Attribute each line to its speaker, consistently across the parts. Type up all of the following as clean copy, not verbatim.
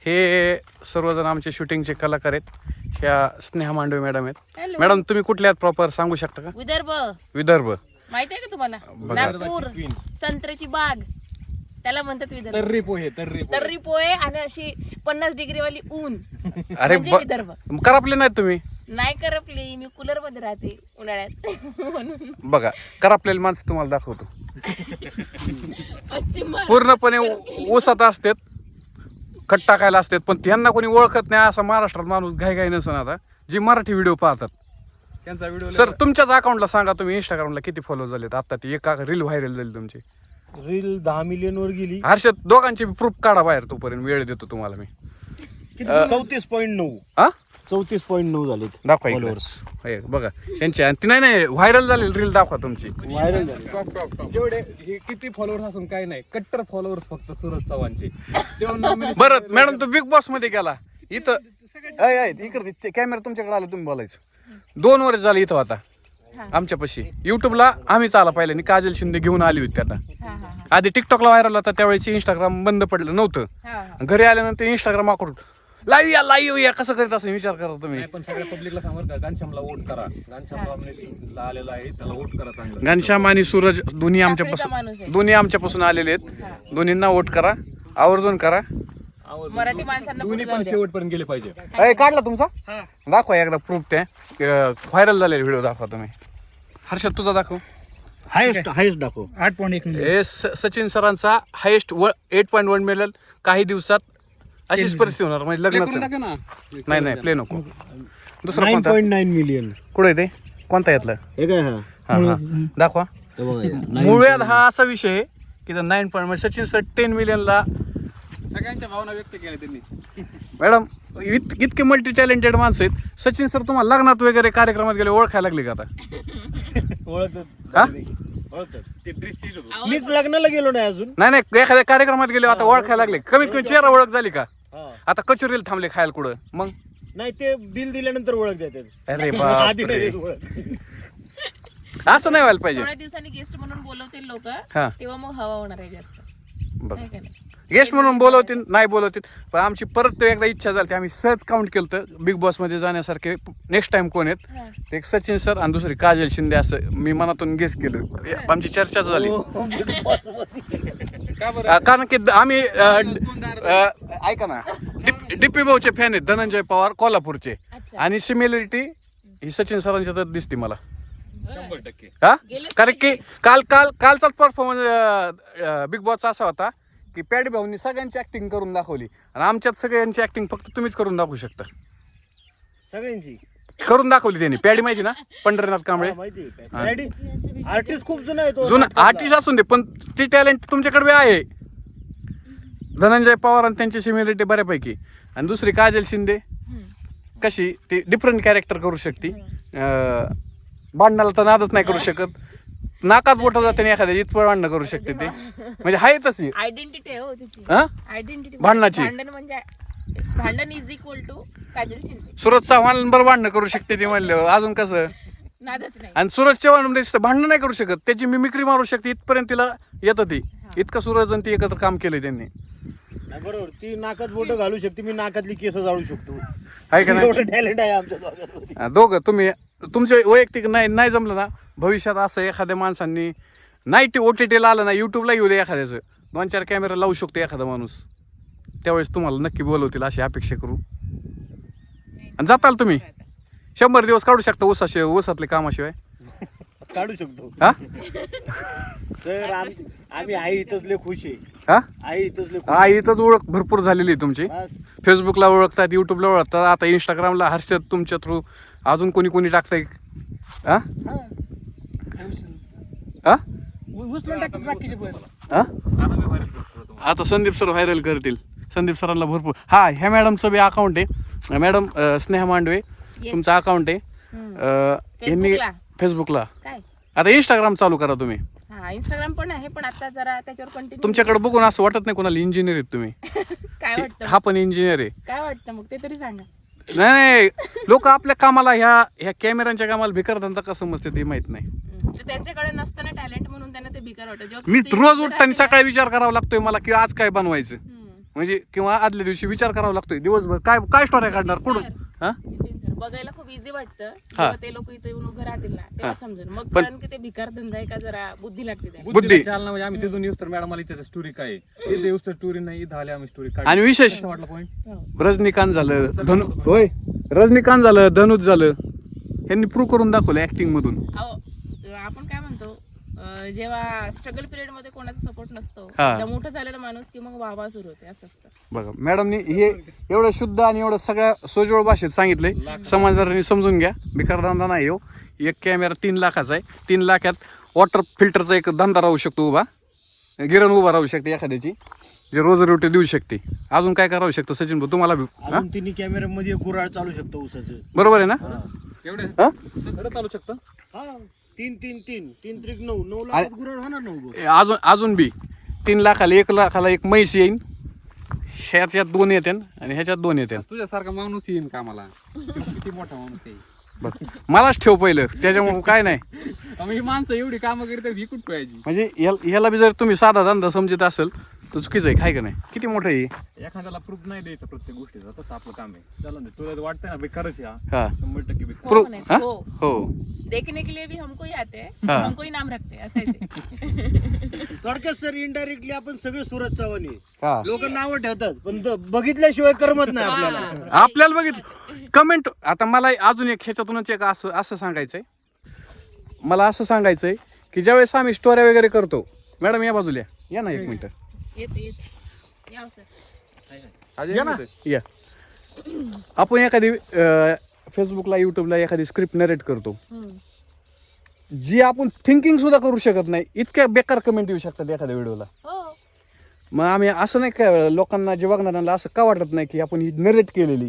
Speaker 1: हे सर्वजण आमचे शूटिंगचे कलाकार आहेत. ह्या स्नेहा मांडवे मॅडम आहेत. मॅडम तुम्ही कुठल्या आहेत प्रॉपर सांगू शकता का?
Speaker 2: विदर्भ.
Speaker 1: विदर्भ
Speaker 2: माहिती आहे का तुम्हाला? नागपूर संत्र्याची बाग त्याला म्हणतात विदर्भ. तर्री पोहे आणि अशी 50 डिग्री वाली ऊन.
Speaker 1: अरे
Speaker 2: म्हणजे विदर्भ.
Speaker 1: करापले नाहीत तुम्ही?
Speaker 2: नाही करपली, मी कूलर मध्ये राहते उन्हाळ्यात म्हणून.
Speaker 1: बघा करापलेली माणसं तुम्हाला दाखवतो.
Speaker 2: पश्चिम
Speaker 1: पूर्णपणे ऊसात असतात, खट टाकायला असतात, पण त्यांना कोणी ओळखत नाही असा महाराष्ट्रात माणूस घाई नसन. आता जी मराठी व्हिडिओ पाहतात त्यांचा व्हिडिओ. सर तुमच्याच अकाउंटला सांगा, तुम्ही इंस्टाग्रामला किती फॉलो झालेत? आता ती एका रील व्हायरल झाली तुमची.
Speaker 3: रील 10 मिलियन वर गेली.
Speaker 1: हर्षद दोघांची प्रूफ काढा बाहेर, तोपर्यंत वेळ देतो तुम्हाला मी.
Speaker 3: 34.9.
Speaker 1: हा
Speaker 3: 34.9 झालेत
Speaker 1: दाखवा इकडे.
Speaker 3: फॉलोअर्स.
Speaker 1: हे बघा त्यांच्या. ती नाही व्हायरल झालेली रील दाखवा तुमची.
Speaker 3: व्हायरल झाले.
Speaker 4: जेवढे हे किती फॉलोअर्स असून काही नाही, कट्टर फॉलोअर्स फक्त सूरज चव्हाणचे.
Speaker 1: बरं मॅडम तो बिग बॉस मध्ये गेला इथं. इकडे कॅमेरा तुमच्याकडे आला, तुम्ही बोलायचं. 2 वर्ष झाले इथं आता आमच्यापाशी. युट्यूबला आम्हीच आला पाहिलं, काजल शिंदे घेऊन आली होती. आता आधी टिकटॉकला व्हायरल होता, त्यावेळेस इंस्टाग्राम बंद पडलं नव्हतं. घरी आल्यानंतर इंस्टाग्राम वापरून लाईव्ह या कसं करीत असं विचार करा तुम्ही.
Speaker 4: पण सगळ्या पब्लिकला सांगा का घनश्यामला वोट करा. घनश्यामला आलेला आहे, त्याला वोट करा चांगलं.
Speaker 1: घनश्याम आणि सूरज दोन्ही आमच्यापासून आलेले आहेत. दोन्हींना वोट करा, आवर्जून करा.
Speaker 2: मराठी माणसांना
Speaker 4: दोन्ही पण शेवटपर्यंत गेले पाहिजे.
Speaker 1: काढला तुमचा? दाखवा एकदा प्रूफ. त्या व्हायरल झालेले व्हिडिओ दाखवा तुम्ही. हर्षद तुझा दाखव.
Speaker 3: हायस्ट दाखव.
Speaker 1: 8.1 सचिन सरांचा हायेस्ट 8.1 मिळेल. काही दिवसात अशीच परिस्थिती होणार, म्हणजे लग्नाचं. नाही प्ले नको. दुसरा कोणता?
Speaker 3: 9.9 मिलियन.
Speaker 1: कुठे ते कोणता यातलं?
Speaker 3: हे काय?
Speaker 1: हा दाखवा.
Speaker 3: हे बघा.
Speaker 1: मुळव्याध हा असा विषय आहे की 9 पॉईंट म्हणजे सचिन सर 10 मिलियनला.
Speaker 4: सगळ्यांच्या भावना व्यक्त केल्या त्यांनी.
Speaker 1: मॅडम इतके मल्टी टॅलेंटेड माणसं आहेत. सचिन सर तुम्हाला लग्नात वगैरे कार्यक्रमात गेले ओळखायला लागले का आता?
Speaker 3: मीच लग्नाला गेलो नाही अजून.
Speaker 1: नाही एखाद्या कार्यक्रमात गेले आता ओळखायला लागले. कमीत कमी चेहरा ओळख झाली का? आता कचोरीला थांबले खायला कुठं मग?
Speaker 3: नाही, ते बिल दिल्यानंतर ओळख देतात.
Speaker 1: अरे
Speaker 3: आधी
Speaker 1: बापरे,
Speaker 3: नाही देत ओळख.
Speaker 1: असं नाही व्हायला पाहिजे.
Speaker 2: थोड्या दिवसांनी गेस्ट म्हणून बोलवतील लोक,
Speaker 1: हा.
Speaker 2: तेव्हा मग हवा होणार आहे जास्त.
Speaker 1: बघ
Speaker 2: आहे का नाही?
Speaker 1: गेस्ट म्हणून बोलवतील नाही बोलवतील, पण आमची परत एकदा इच्छा झाली. आम्ही सहज काउंट केलं तर बिग बॉस मध्ये जाण्यासारखे नेक्स्ट टाइम कोण आहेत?
Speaker 2: हा.
Speaker 1: ते एक सचिन सर आणि दुसरी काजल शिंदे, असं मी मनातून गेस केलं. आमची चर्चाच झाली. कारण की आम्ही ऐका ना, डीपी भाऊचे फॅन आहेत, धनंजय पवार कोल्हापूरचे.
Speaker 2: अच्छा.
Speaker 1: आणि सिमिलरिटी ही सचिन सरांच्या तर दिसते मला.
Speaker 4: 100%.
Speaker 1: हा
Speaker 2: गेलेच
Speaker 1: कारण की कालचाच परफॉर्मन्स बिग बॉसचा असा होता की पॅडी भाऊंनी सगळ्यांची ऍक्टिंग करून दाखवली, आणि आमच्यात सगळ्यांची ऍक्टिंग फक्त तुम्हीच करून दाखवू शकता.
Speaker 3: सगळ्यांची
Speaker 1: करून दाखवली त्यांनी. पॅडी माहिती ना, पंढरीनाथ कांबळे.
Speaker 3: माहिती आर्टिस्ट खूप जुना आहे तो.
Speaker 1: जुना आर्टिस्ट असून दे, पण ती टॅलेंट तुमच्याकडे आहे. धनंजय पवार आणि त्यांची सिमिलरिटी बऱ्यापैकी. आणि दुसरी काजल शिंदे कशी ती डिफरंट कॅरेक्टर करू शकते. भांडणाला तर नादच नाही करू शकत. नाकात बोट जाते एखाद्या इथपर भांडणं करू शकते ते. म्हणजे आहे तशी
Speaker 2: आयडेंटिटी आहे हो तिची.
Speaker 1: हा
Speaker 2: आयडेंटिटी
Speaker 1: भांडणाची.
Speaker 2: भांडण is equal to Kajal Shinde.
Speaker 1: Suraj Chavan बरं भांडणं करू शकते ती म्हणलं, अजून कसं?
Speaker 2: नादच नाही.
Speaker 1: आणि सूरज चव्हाण म्हणजे भांडणं नाही करू शकत, त्याची मिमिक्री मारू शकते, इथपर्यंत तिला येतं. ती इतकं सूरज आणि ती एकत्र काम केलंय त्यांनी.
Speaker 3: बरोबर. ती नाकात बोट घालू शकते, मी नाकातली केस जाळू शकतो.
Speaker 1: आहे का नाही?
Speaker 3: एवढं टॅलेंट आहे आमच्या दोघांमध्ये.
Speaker 1: दोघं तुम्ही तुमचे वैयक्तिक नाही जमलं ना, भविष्यात असं एखाद्या माणसांनी नाही टी OTT-ला आलं ना, युट्यूबला येऊ दे एखाद्याचं, 2-4 कॅमेरा लावू शकतो एखादा माणूस. त्यावेळेस तुम्हाला नक्की बोलवतील अशी अपेक्षा करू. आणि जाताल तुम्ही 100 दिवस काढू शकता ऊसातले कामाशिवाय.
Speaker 3: काढू शकतो.
Speaker 1: हा
Speaker 3: तर आम्ही आई इथंच लय खुश आहे.
Speaker 1: हा
Speaker 3: आई इथंच लय खुश
Speaker 1: हा इथंच ओळख भरपूर झालेली आहे तुमची.
Speaker 3: बस.
Speaker 1: फेसबुकला ओळखतात, युट्यूबला ओळखतात, आता इंस्टाग्रामला हर्षद तुमच्या थ्रू. अजून कोणी टाकताय? हा हा आता संदीप सर व्हायरल करतील. संदीप सरांना भरपूर. हा ह्या मॅडमचं बी अकाउंट आहे. मॅडम स्नेहा मांडवे तुमचं अकाउंट आहे. यांनी
Speaker 2: फेसबुकला.
Speaker 1: फेसबुकला.
Speaker 2: काय?
Speaker 1: आता इंस्टाग्राम चालू करा तुम्ही.
Speaker 2: हा, इंस्टाग्राम पण आहे, पण आता जरा त्याच्यावर कंटिन्यू.
Speaker 1: तुमच्याकडे बघून असं वाटत नाही कोणाला इंजिनियर आहेत तुम्ही?
Speaker 2: काय वाटतं?
Speaker 1: हा पण इंजिनियर आहे.
Speaker 2: काय वाटतं मग ते तरी सांगा.
Speaker 1: नाही लोक आपल्या कामाला ह्या कॅमेऱ्यांच्या कामाला भिकारतांचा कसं समजते ते माहित नाही.
Speaker 2: तर त्यांच्याकडे नसताना टॅलेंट म्हणून त्यांना ते बेकार वाटतं. जेव्हा
Speaker 1: मी
Speaker 2: ते
Speaker 1: रोज
Speaker 2: जर
Speaker 1: उठताना
Speaker 2: आहे ना-
Speaker 1: सकाळी विचार करावा लागतोय मला की आज काय बनवायचं. म्हणजे किंवा आदल्या दिवशी विचार करावा लागतोय दिवसभर काय काय स्टोऱ्या काढणार कुठून हा
Speaker 2: नितीन सर, बघायला खूप इझी वाटतं जेव्हा ते लोक इथे येऊन उभे राहतील ना तेव्हा समजेल मग कारण की ते भिकार धंदा आहे का जरा बुद्धी लागते त्याला.
Speaker 1: बुद्धी.
Speaker 4: चालना म्हणजे आम्ही तिथून येऊस तर मॅडम मला स्टोरी काय आहे इथे येऊस तर स्टोरी नाही इथं आले आम्ही स्टोरी
Speaker 1: आणि विशेष
Speaker 4: वाटलं पॉईंट
Speaker 2: हो.
Speaker 1: रजनीकांत झालं होय रजनीकांत झालं धनुष झालं यांनी प्रूव्ह करून दाखवलं ऍक्टिंग मधून.
Speaker 2: अहो, आपण काय म्हणतो जेव्हा स्ट्रगल पिरियड मध्ये कोणाचा सपोर्ट नसतो
Speaker 1: हा.
Speaker 2: एकदा मोठं झालेला माणूस की मग वाहवा सुरू होते असं असतं.
Speaker 1: बघा मॅडमनी हे एवढं शुद्ध आणि एवढं सगळ्या सोजवळ भाषेत सांगितलंय समाजदारांनी समजून घ्या. बिकारधंदा नाही हो. एक कॅमेरा 3 लाखाचा आहे. 3 लाखात वॉटर फिल्टरचा एक धंदा राहू शकतो उभा गिरण उभा राहू शकते एखाद्याची जे रोज रोटी देऊ शकते. अजून काय करावं शकतं सचिन भाऊ तुम्हाला बी? हा?
Speaker 3: अजून तिन्ही कॅमेऱ्यामध्ये गुराळ चालू शकतो ऊसाचं.
Speaker 1: बरोबर आहे ना
Speaker 4: एवढे
Speaker 1: हा?
Speaker 4: खरं चालू शकतं
Speaker 3: हा 3 त्रिक 9 लाखात गुराळ होणार ना उभं.
Speaker 1: अजून बी 3 लाखाला 1 लाखाला एक म्हैस येईन ह्याच्यात 2 येते आणि ह्याच्यात 2 येते.
Speaker 4: तुझ्यासारखा माणूस येईन का मला किती मोठा माणूस आहे
Speaker 1: बघ मलाच ठेव पहिलं त्याच्यामुळे काय नाही
Speaker 4: आम्ही ही माणसं एवढी कामं करतात ही कुठं पाहिजे
Speaker 1: म्हणजे ह्याला बी जर तुम्ही साधा धंदा समजत असेल तर चुकीचं आहे काय का नाही. किती मोठं आहे
Speaker 4: एखाद्याला प्रूफ नाही द्यायचा प्रत्येक गोष्टीचा तसं आपलं काम आहे चला ना तुला वाटतंय ना बेकारच या
Speaker 1: हा
Speaker 4: 100% बेकार
Speaker 2: हो
Speaker 1: प्रूफ
Speaker 2: म्हणायचं,
Speaker 1: हा?
Speaker 2: हो.
Speaker 1: हो
Speaker 2: देखने के लिए भी हमको ही आते हैं
Speaker 1: हाँ.
Speaker 2: हमको ही नाम रखते हैं असं आहे ते.
Speaker 3: थोडक्यात सर इनडायरेक्टली आपण सगळे सूरज चव्हाण आहे.
Speaker 1: हा
Speaker 3: लोक नावं ठेवतात पण बघितल्याशिवाय करमत नाही आपल्याला.
Speaker 1: आपल्याला बघितलं कमेंट आता मला अजून एक ह्याच्यातूनच एक असं सांगायचंय मला असं सांगायचंय की ज्यावेळेस आम्ही स्टोऱ्या वगैरे करतो मॅडम या बाजूला या ना 1 मिनिट
Speaker 2: येते या सर.
Speaker 1: या ना या आपण एखादी फेसबुकला युट्यूबला एखादी स्क्रिप्ट नरेट करतो जी आपण थिंकिंग सुद्धा करू शकत नाही इतक्या बेकार कमेंट येऊ शकतात एखाद्या व्हिडिओला.
Speaker 2: हो
Speaker 1: मग आम्ही असं नाही का लोकांना जे बघणाऱ्यांना असं का वाटत नाही की आपण ही नरेट केलेली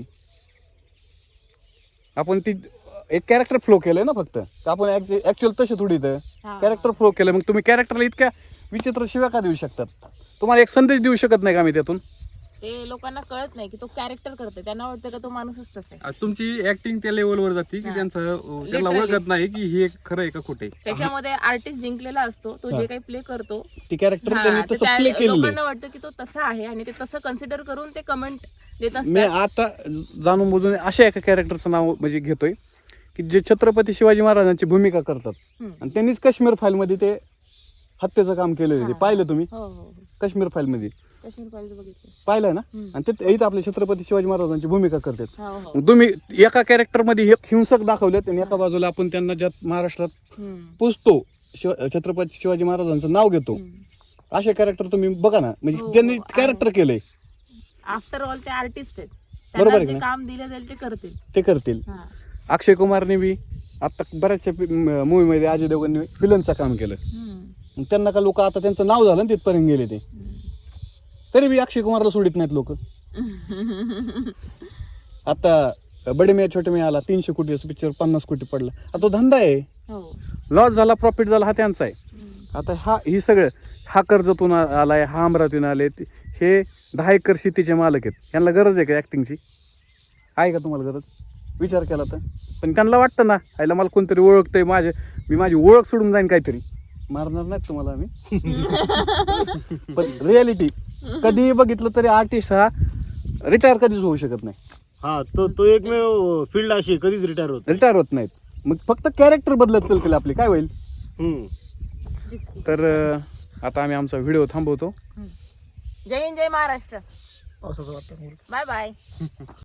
Speaker 1: आपण ती एक कॅरेक्टर फ्लो केलंय ना फक्त तर आपण ऍक्च्युअल तसे थोडी तर
Speaker 2: हा.
Speaker 1: कॅरेक्टर फ्लो केलं मग तुम्ही कॅरेक्टरला इतक्या विचित्र शिव्या का देऊ शकतात. तुम्हाला एक संदेश देऊ शकत नाही का आम्ही त्यातून
Speaker 2: ते लोकांना कळत नाही की तो कॅरेक्टर करतोय त्यांना वाटतं का तो माणूसच तसा आहे.
Speaker 4: तुमची ऍक्टिंग त्या लेवलवर जाते की त्यांचं त्यांना ओळखत नाही की हे खरं आहे का खोटे
Speaker 2: त्याच्यामध्ये आर्टिस्ट जिंकलेला असतो तो जे काही प्ले करतो
Speaker 1: ती कॅरेक्टर
Speaker 2: हा,
Speaker 1: त्यांनी
Speaker 2: ते
Speaker 1: तसं
Speaker 2: त्या
Speaker 1: प्ले केलेलं आहे.
Speaker 2: लोकांना वाटतं की तो तसा आहे आणि ते तसं कन्सिडर करून ते कमेंट देत
Speaker 1: मी
Speaker 2: असतात.
Speaker 1: आता जाणून बुजून अशा एका कॅरेक्टरचं नाव म्हणजे घेतोय की जे छत्रपती शिवाजी महाराजांची भूमिका करतात
Speaker 2: हम्म.
Speaker 1: आणि त्यांनीच काश्मीर फाईलमध्ये ते हत्येचं काम केलेलं आहे. ते पाहिलं तुम्ही
Speaker 2: हो हो हो.
Speaker 1: काश्मीर फाईलमध्ये
Speaker 2: काश्मीर फाईल्स बघितले.
Speaker 1: पाहिलंय ना
Speaker 2: हम्म.
Speaker 1: आणि ते इथं आपले छत्रपती शिवाजी महाराजांची भूमिका करतात.
Speaker 2: हो हो.
Speaker 1: मग तुम्ही एका कॅरेक्टरमध्ये एक हिंसक दाखवलेत आणि एका बाजूला आपण त्यांना ज्यात महाराष्ट्रात
Speaker 2: हम्म.
Speaker 1: पुजतो छत्रपती शिवाजी महाराजांचं नाव घेतो
Speaker 2: हम्म.
Speaker 1: असे कॅरेक्टर तुम्ही बघा ना म्हणजे
Speaker 2: हो,
Speaker 1: त्यांनी
Speaker 2: हो,
Speaker 1: कॅरेक्टर केलंय
Speaker 2: आफ्टर ऑल ते आर्टिस्ट आहेत
Speaker 1: बरोबर
Speaker 2: त्यांना
Speaker 1: आहे
Speaker 2: जे
Speaker 1: ना?
Speaker 2: काम दिलं जाईल ते करतील.
Speaker 1: ते करतील.
Speaker 2: हा.
Speaker 1: अक्षय कुमारने बी आता बऱ्याचशा मूवीमध्ये अजय देवगनने विलनचं काम केलं
Speaker 2: हम्म.
Speaker 1: मग त्यांना का लोक आता त्यांचं नाव झालं ना तिथपर्यंत गेले ते
Speaker 2: हम्म.
Speaker 1: तरी बी अक्षय कुमारला सोडित नाहीत लोक. आता बडे मिया छोटे मिया आला 300 कोटी पिक्चर 50 कोटी पडला आता तो धंदा आहे
Speaker 2: हो.
Speaker 1: लॉस झाला प्रॉफिट झाला हा त्यांचा आहे.
Speaker 2: हम्म.
Speaker 1: आता ही सगळं हा कर्जतून आलाय हा अमरावतीतून आले हे 10 एकर शेतीचे मालक आहेत यांना गरज आहे का ऍक्टिंगची आहे का तुम्हाला गरज विचार केला तर पण त्यांना वाटतं ना आईला मला कोणतरी ओळखतंय मी माझी ओळख सोडून जाईन काहीतरी मारणार नाहीत तुम्हाला आम्ही पण रियालिटी कधीही बघितलं तरी आर्टिस्ट हा रिटायर कधीच होऊ शकत नाही.
Speaker 3: हा तो एकमेव फील्ड अशी कधीच रिटायर होत.
Speaker 1: रिटायर होत नाहीत मग फक्त कॅरेक्टर बदलत चालतील आपली काय होईल.
Speaker 2: दिसकी.
Speaker 1: तर आता आम्ही आमचा व्हिडिओ थांबवतो.
Speaker 2: जय हिंद जय महाराष्ट्र.
Speaker 5: पावसाचं वाटतं
Speaker 2: बाय बाय.